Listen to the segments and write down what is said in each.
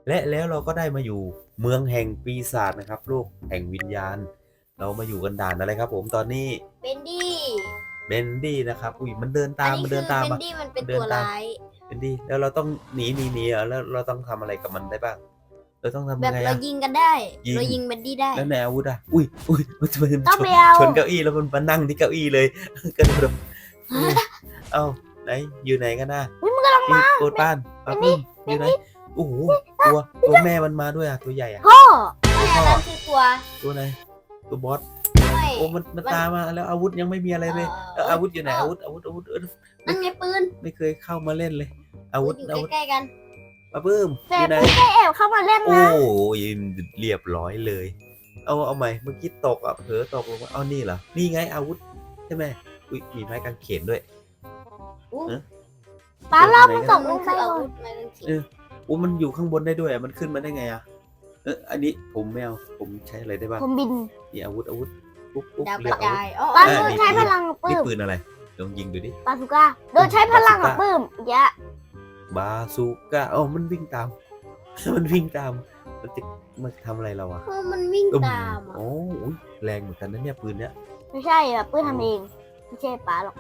และแล้วเราก็ได้มาอยู่เมืองแห่งปีศาจนะครับโลกแห่งวิญญาณเรามาอยู่กันด่านอะไรครับผมตอนนี้เบนดี้เบนดี้นะครับอุ้ยมันเดินอันนี้ตามมันคืเดิอนตามเบนอ่ะดี้มันเป็นเดิตันวตามร้ายเบนดี้แล้วเราต้องหนีอ่ะแล้วเราต้องทำอะไรกับมันได้บ้างเราต้องทำแบยับงไงเราอ่ะยิงกันได้ยิงเรายิงเบนดี้ได้แล้วในอาวุธอ่ะอุ้ยมันชนต้องไปเอาชนเก้าอี้แล้วมันมานั่งที่เก้าอี้เลย กระโดดเอ้าไหนอยู่ไหนกันน่ะพี่โกดป้านป้าปุ้มอยู่ไหนโอ้โหตัวแม่มันมาด้วยอ่ะตัวใหญ่อ่ะพ่อไม่อันนั้นคือตัวตัวไหนตัวบอสไม่โอ้มันตามมาแล้วอาวุธยังไม่มีอะไรเลยอาวุธอยู่ไหนอาวุธนั่นไงปืนไม่เคยเข้ามาเล่นเลย อาวุธอยู่ใกล้ๆกันป้าปื้มอแต่ยู่ไหนไม่ได้แอบเข้ามาเล่นโอ้นะยเรียบร้อยเลย เอาใหม่เมื่อกี้ตกอ่ะเผลอตกลงมาเอานี่เหรอนี่ไงอาวุธใช่ไหมอุ้ยมีไม้กางเขนด้วยอู้ป้าเรามันตกลมันงไปคืออาก่อวุนธไม่ต้องคิดโอ้มันอยู่ข้างบนได้ด้วยอ่ะมันขึ้นมาได้ไงอ่ะอันนี้ผมไม่เอาผมใช้อะไรได้บ้างผมบินนี่อาวุธปุ๊บดาวกเรียระกอาวุจาธยอ๋อป้าอ๋อโดนใช้พลังกับปื้นี่มปืนอะไรลองยิงดูดิปาสุก้าโดนใช้พลังกับปื้มเยอะบาซูก้าอ๋อมันวิ่งตาม มันวิ่งตามมันจะมาทำอะไรเราอ่ะเออมันวิ่งตามอ่ะโอ้ยแรงเหมือนกันนะเนี่ยปืนเนี้ยไม่ใช่อ่ะปื้มทำเองไม่ใช่ป้าหรอก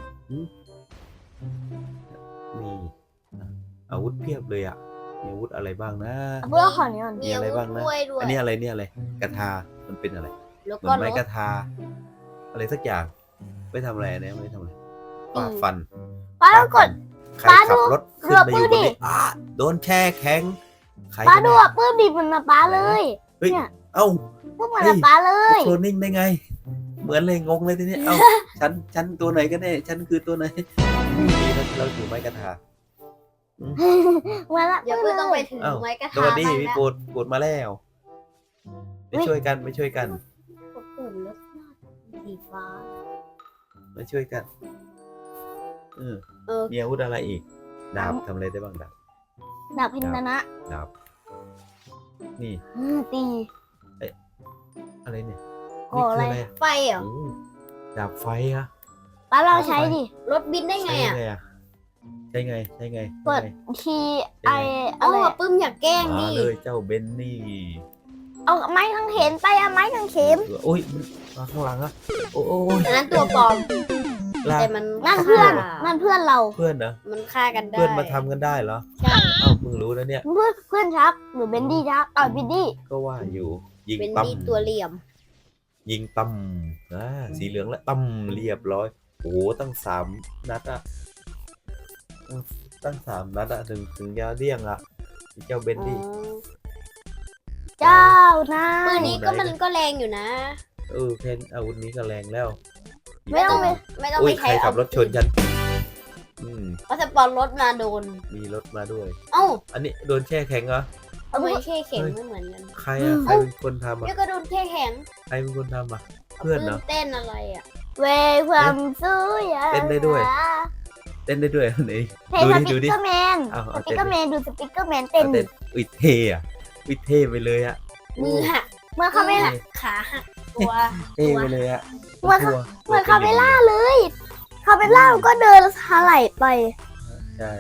นี่อาวุธเพียบเลยอ่ะมีอาวุธอะไรบ้างนะเอาปื้มขอนี้ก่อนมีอะไรบ้างนะมีอวุธด้วยอันนี้อะไรเนี่ยอะไรกระทามันเป็นอะไรแล้วเหมือก็นไม้รกถระทา อะไรสักอย่างไม่ทำอะไรเนี่ยไม่ทำอะไรฟาดฟันป้าต้องกดใครป้าขับดูรถขึ้นมาอยู่บนดูนี้ดิโดนแช่แข็งใครป้ากันดูเนี่ยอ่ะปื้มบินเหมือนมาป้าเลยเฮ้ยเนี่ยเอ้าพวกเหมือนกับป้าเลยโคลนนิ่งได้ไง เหมือนเลยงงเลยทีนี้เอ้า ฉันตัวไหนกันแน่ฉันคือตัวไหนนี่เราอยู่ไม้กระทาเหมือนละเดี๋ยวปื้ปืมนต้องเลไปยถึงอ้าวไม้กระสทะวัสดีบ้างพี่แล้วโปรดมาแล้วไม่ช่วยกันกดปุ่มรถสีฟ้ามาช่วยกันเออเออมีอาวุธอะไรอีกดาบทำอะไรได้บ้างดาบดาบพินนะดาบนี่ตีอะไรเนี่ยโอ้อะไรนี่คือไฟเหรอโอ้ดาบไฟอะป้าเราใช้ดิรถบินได้ไงใช้อ่ะไงอะใช้ไงกดทีไอเอาอะไรอะปื้มอยากแกล้งมาดิเลยเจ้าเบนนี่เอาไม้กางเขนไปเอาไม้กางเขนโอ้ยมาข้างหลังอะโอ้ยอันนั้นตัวปลอมลากแต่มันนั่นเพื่อนฆ่านั่นเพื่อนเราเพื่อนเหรอมันฆ่ากันได้เพื่อนมาทำกันได้เหรอใช่เอ้าเพิ่งรู้นะเนี่ยเพื่อนชักหรือเบนดี้ชักเบนดี้ก็ว่าอยู่ยิงเป็นตั้มดีตัวเหลี่ยมยิงตั้มสีเหลืองและตั้มเรียบร้อยโอ้โหตั้ง3 นัดอะตั้ง3 นัดอะถึงจะเลี่ยงอะเจ้าเบนอ๋อดี้เจ้านะปืนนี้ก็มันก็แรงอยู่นะแค่อาวุธนี้ก็แรงแล้วไม่ต้องไปไม่ต้องอุ้ไปยใครใช้ขับรถชนฉันเพราะสปอนรถมาโดนมีรถมาด้วยเอ้าอันนี้โดนแช่แข็งเหรอทำไมแช่แข็งไม่เหมือนกันใครอะใครเป็นคนทำอะเดี๋ยวก็โดนแช่แข็งใครเป็นคนทำอะเพื่อนเหรอเต้นอะไรอ่ะเวความสู้ยาเต้นได้ด้วย เต้นได้ด้วยอันนี้เพลงดูสดิปิดูกดิเกอร์แมนเอาสเอาปิกเต้นเกอร์แมนดูสปิกเกอร์แมนเต้นเอาเต้นอุ้ยเท่อะอุ้ยเท่ไปเลยอะมือหักเมื่อเขาไม่ล่าขาหักตัวเท่ไปเลยอะเหมือนเหมือนเขาไม่ล่าเลยเขาไม่ล่าก็เดินถลายไปใช่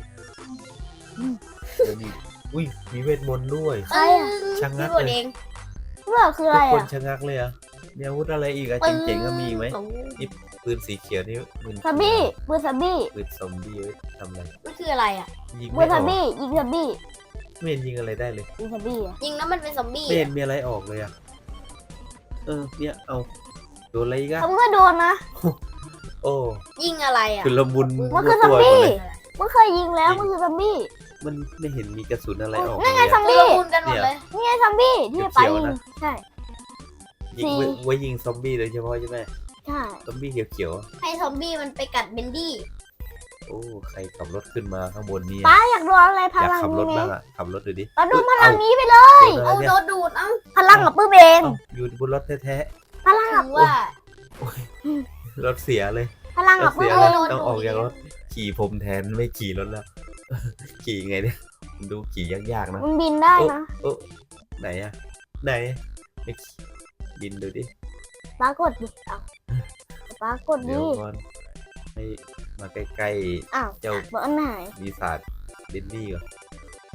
เดี๋ยวนี้อุ้ยมีเวทมนต์ด้วยใครอะชะงักพี่บดเลยเองเมื่อคืออะไรทุกคนอ่ะชะงักเลยอะมีอาวุธอะไรอีกอะเจ๋งๆก็มีอีกไหมปืนสีเขียวนี่ปืนซาบี้ปืนซาบี้ปืนซอมบี้ไว้ทำอะไรมันคืออะไรอ่ะยิงปืไม่นอซาอกบี้ยิงซาบี้ไม่เห็นยิงอะไรได้เลยยิงซาบี้อ่ะยิงแล้วมันเป็นซอมบี้ไม่เห็อะนมีอะไรออกเลยอะเนี่ยเอาโดนอะไรอีกอะเขาก็โดนนะโอ้ยิงอะไรอ่ะคือละมุนมันคือซอมตัวหมบี้ดเลยมันเคยยิงแล้วมันคือซอมบี้มันไม่เห็นมีกระสุนอะไรออกนั่นไงเลยซออะมตัวบี้คุณกันหมดเลยนี่ไงซอมบี้ที่ไปยิงใช่ยิงไว้ยิงซอมบี้โดยเฉพาะใช่ไหมใช่ซอมบี้เขียวให้ซอมบี้มันไปกัดเบนดี้ๆโอ้ใครขับรถขึ้นมาข้างบนนี่ป้าอยากโดนอะไรพอยากลังขับรถนี้ไหมบ้างอะขับรถดูดิป้าโดนพลังนี้ไปเลยโดนอะไรเอาเนี่ยโดนดูดเอ้าพลังกับปื้มเองเอ้าอยู่บนรถแท้พลังกับถือว่าๆรถเสียเลยพลังรกับถปื้เสีมยเอเลยงต้องออกจากรถขี่ผมแทนไม่ขี่รถแล้ว ขี่ไงเนี่ยดูขี่ยากๆนะมันบินได้นะโอ้ไหนอะไหนไม่ขี่บินดูดิป้ากดดิอ้าวป้ากดเดี๋ดิยวก่อนให้มาใกล้อ้าวๆเจ้าบอกอันไหนปีศาจดินดี้ก่อน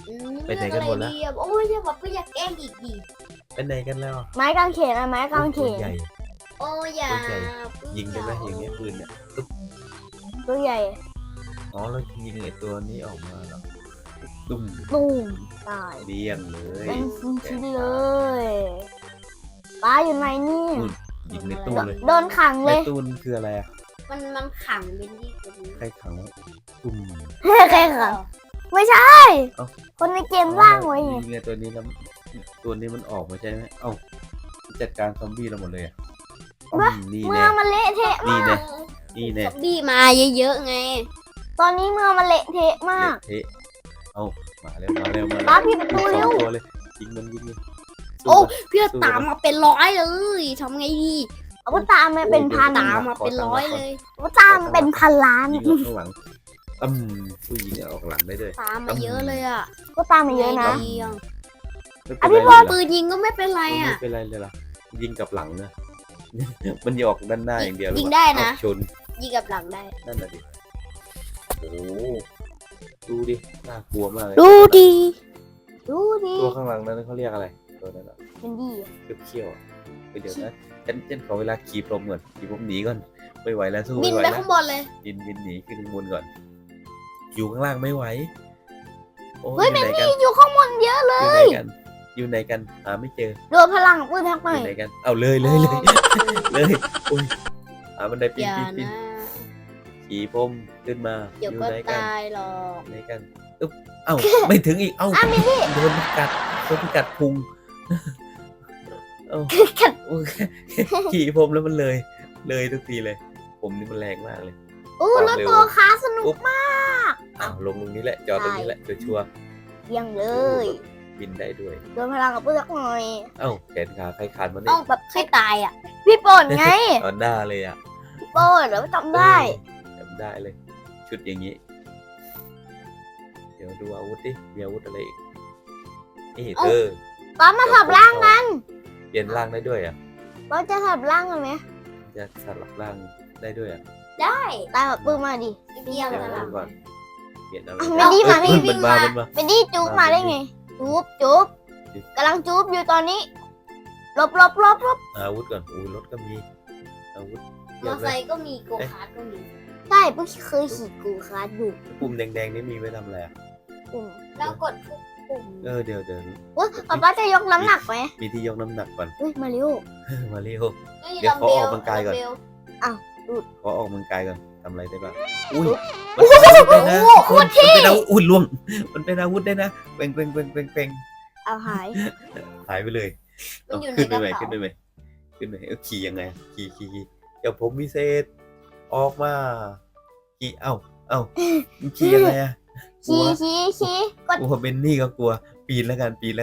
ไปไหนกันหมดแล้วเลืออะไรดีอะโอ้ยอย่าแบบอยากแกล้งอีกดิไปไหนกันแล้วไม้กางเขนอะไม้กางเขตัวน ใหญ่โอ้ยอย่าตัวใหญ่ ยิงได้ไหมอย่างเงี้ยปืนเนี่ยตัวใหญ่อ๋อเรายิงไอ้ตัวนี้ออกมาแล้วตุ้มตูมตายเลี้ยงเลยเป็นชิ้นๆเลยป้าอยู่ไหนนี่ยิงในตู้เลยโดนขังในเลยตู้นคืออะไรอะมันขังเบนดี้ตัวนี้ใครขังตุ้มใครขังไม่ใช่เอ้าคนในเกมร่างไว้ไงยิงไงตัวนี้แล้วตัวนี้มันออกมาใช่ไหมเอ้าจัดการซอมบี้เราหมดเลยอะนี่เมืแน่องมันเละเทะนี่มากแน่ นี่แน่ซอมบี้มาเยอะๆไงตอนนี้เมืองมันเละเทะมากเทะเอามาเร็วมาเร็วมาป้าเร็วพี่ประตูเร็วสองตัวเลยยิงมันยิงเลยสู้โอ้มันเพื่อนตามมาเป็นร้อยเลยทำไงดีเอาวุธตามมาเป็นพันตามมาเป็นร้อยเลยอาวุธตามมาเป็นพันล้านยิงออกข้างหลังผู้ยิงออกหลังได้ด้วยตามมาเยอะเลยอ่ะก็ตามมาเยอะนะไงดีอะไม่เป็นพี่ไรบอลเลยเหรอปืนยิงก็ไม่เป็นไรอ่ะไม่เป็นไรเลยล่ะยิงกับหลังนะ มันออกด้านหน้าอย่างเดียวหรือยิงเปล่าได้นะเอาชนยิงกับหลังได้นั่นน่ะดิโอ้โหดูดิน่ากลัวมากเลยดูดีดูดิตัวข้างหลังนั้นเขาเรียกอะไรตัวนั้นอะเป็นดีเขี้ยวๆอะเดี๋ยวนะฉันขอเวลาขี่พรมก่อนขี่พรมหนีก่อนไม่ไหวแล้วสู้บิไม่นไหวไปแล้วข้างบนเลยบินหนีขึ้นข้างบนก่อน อยู่ข้างล่างไม่ไหวโอ้เฮ้ยอยู่ไหนกันอยู่ข้างบนเยอะเลยอยู่ไหนกันหาไม่เจอโดนพลังปืนทักหอน่อยยู่ไหนกันเอาเลยเลยโอ้ยหาบันไดปีอน ย่าปีนปีนนะขี่พรมขึ้นมาเดี๋ยวอยู่ก็ไหนกันตายหรอกไหนกันอึ๊บเอ้าไม่ถึงอีกเอ้าโดนกัดพุงเอ้าโอ้ยขี่พรมแล้วมันเลยทุกทีเลย ผมนี่มันแรงมากเลยอู้รถตัวค้าสนุกมากอ้าวลงตรงนี้แหละจอดตรงนี้แหละชัวร์เยี่ยงเลๆยบินได้ด้วยโดนพลังกับปืนทักหน่อยเอ้าแขนขาใครขาดมาต้เนี่องแบบให้ตายอ่ะพี่ป่นไงตอนหน้าเลยอ่ะพี่ป่นเดี๋ยวจำได้จำได้เลย ชุดอย่างนี้ เดี๋ยวดูอาวุธดิมีอาวุธอะไรอีกนี่เธอป้ามาสับร่างกันเปลี่ยนร่างได้ด้วยอ่ะป้าจะสับร่างกันไหมจะสลับร่างได้ด้วยอ่ะได้ตายแบบปืนมาดิเดียวเดี๋ยวนะดูก่อนเปลี่ยนอะไรไม่ดีมาไม่ดีมันมามันมาเป็นดีจุ๊บมาได้ไงจุ๊บกำลังจุ๊บอยู่ตอนนี้ลบอาวุธก่อนอุ้ยรถก็มีอาวุธมเยออะไซเลยค์ก็มีโกคาร์ทก็มีใช่เพิ่งเคยขี่กูคาร์ดอยู่ปุ่มแดงๆนี่มีไว้ทำอะไรอ่ะปุ่มแล้วกดทุกปุ่มเดี๋ยวอุ้ยป้าจะยกน้ำหนักไหมมีที่ยกน้ำหนักก่อนอุ้ยมาเร็วมาเร็วฮ้เดี๋ยวขอออกกำลังกายก่อนดัมเบลขอออกกำลังกายก่อนทำอะไรได้บ้างอุ้ยมันเป็นอาวุธได้นะมันเป็นอาวุธอุ้ยล่วงมันเป็นอาวุธได้นะเป่งเอาหายหายไปเลยมันอยู่ในขึ้นกไประ ไหมเป๋าขึ้นไปไหมขึ้นไปขี่ยังไงขี่เดี๋ยวผมวิเศษออกมาขี่เอ้ามันขี่ยังไงอะกลัวชี้กดกลัวเบนนี่ก็กลัวปีนแล้วกันปีน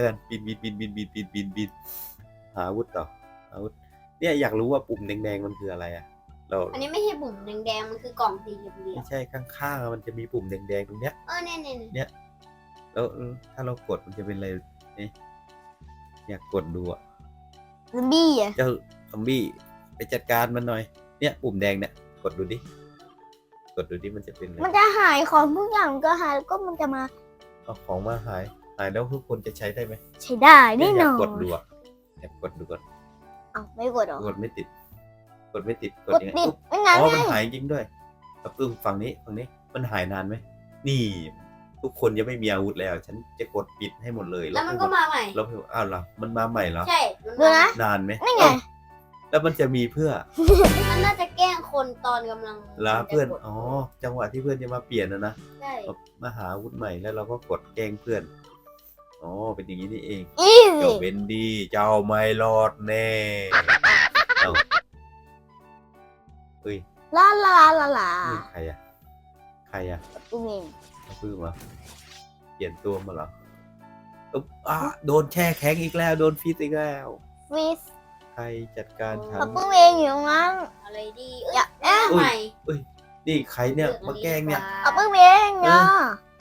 หาอาวุธต่ออาวุธเนี่ยอยากรู้ว่าปุ่มแดงๆมันคืออะไรอะเราอันนี้ไม่ใช่ปุ่มแดงๆมันคือกล่องสี่เหลี่ยไม่มใช่ข้างๆมันจะมีปุ่มแดงๆตรงเนี้ยเนี่ยแล้วถ้าเรากดมันจะเป็นอะไรนี่อยากกดดูอะซอมบี้อ่ะเจ้าซอมบี้ไปจัดการมันหน่อย เนี่ยปุ่มแดงเนี่ยกดดูดิมันจะเป็นอะไรมันจะหายของทุกอย่างก็หายแล้วก็มันจะมาเอาของมาหายแล้วทุกคนจะใช้ได้ไหมใช้ได้แน่อน ยาอกกดนดูอะอยากกดดูก่อนเอาไม่กดหรอกดไม่ติดกดกดยังไงติดอุ๊บไม่งั้นอ๋อไงมันหายจริงด้วยฝั่งนี้มันหายนานไหมนี่ ทุกคนยังไม่มีอาวุธแล้ว ฉันจะกดปิดให้หมดเลยแล้วมันก็มาใหม่แล้วอ้าวเหรอมันมาใหม่เหรอใช่มันดูมานะนานไหมนี่ไงเอ้าแล้วมันจะมีเพื่อมันน่าจะแกล้งคนตอนกำลังลาเพื่อนอ๋อจังหวะที่เพื่อนจะมาเปลี่ยนนะใช่มาหาอาวุธใหม่แล้วเราก็กดแกล้งเพื่อนอ๋อเป็นอย่างนี้นี่เองอีเจ้าซี่เบนดี้เจ้าไม่รอดแน่เอ้าเฮ้ยลานี่ใครอะอุ้มเองเอาปื้มเหรอเปลี่ยนตัวมาเหรออุ๊บโดนแช่แข็งอีกแล้วโดนฟีดอีกแล้วฟิสใครจัดการฉันเขาปุ้มเองอยู่ตรงนั้นอะไรดีอย่าใหม่นี่ใครเนี่ยมาแกล้งเนี่ยเอาปุ้มเองเนาะ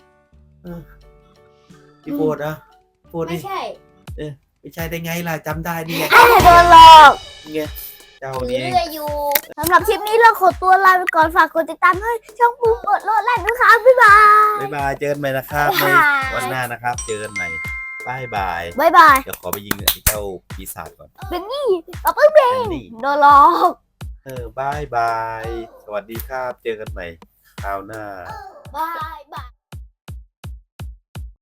พี่โบดอะโบดไม่ดิใช่ไม่ใช่ได้ไงล่ะจำได้นี่ไงโดนหลอกนี่ไงเจ้าถือนี่เองเรืออยู่สำหรับคลิปนี้เราขอตัวลาไปก่อนฝากกดติดตามให้ช่องปูกดโลดแล่นด้วยค่ะบ๊ายบายบ๊ายบายเจอกันใหม่นะครับในบ๊ายบายวันหน้านะครับ เจอกันใหม่บายบายบ๊ายบายเดี๋ยวขอไปยิงไอ้เจ้าปีศาจก่อนเป็นนี่ต่อไปเบงนี่โดนหลอกบายบาย สวัสดีครับ เจอกันใหม่คราวหน้าบายบาย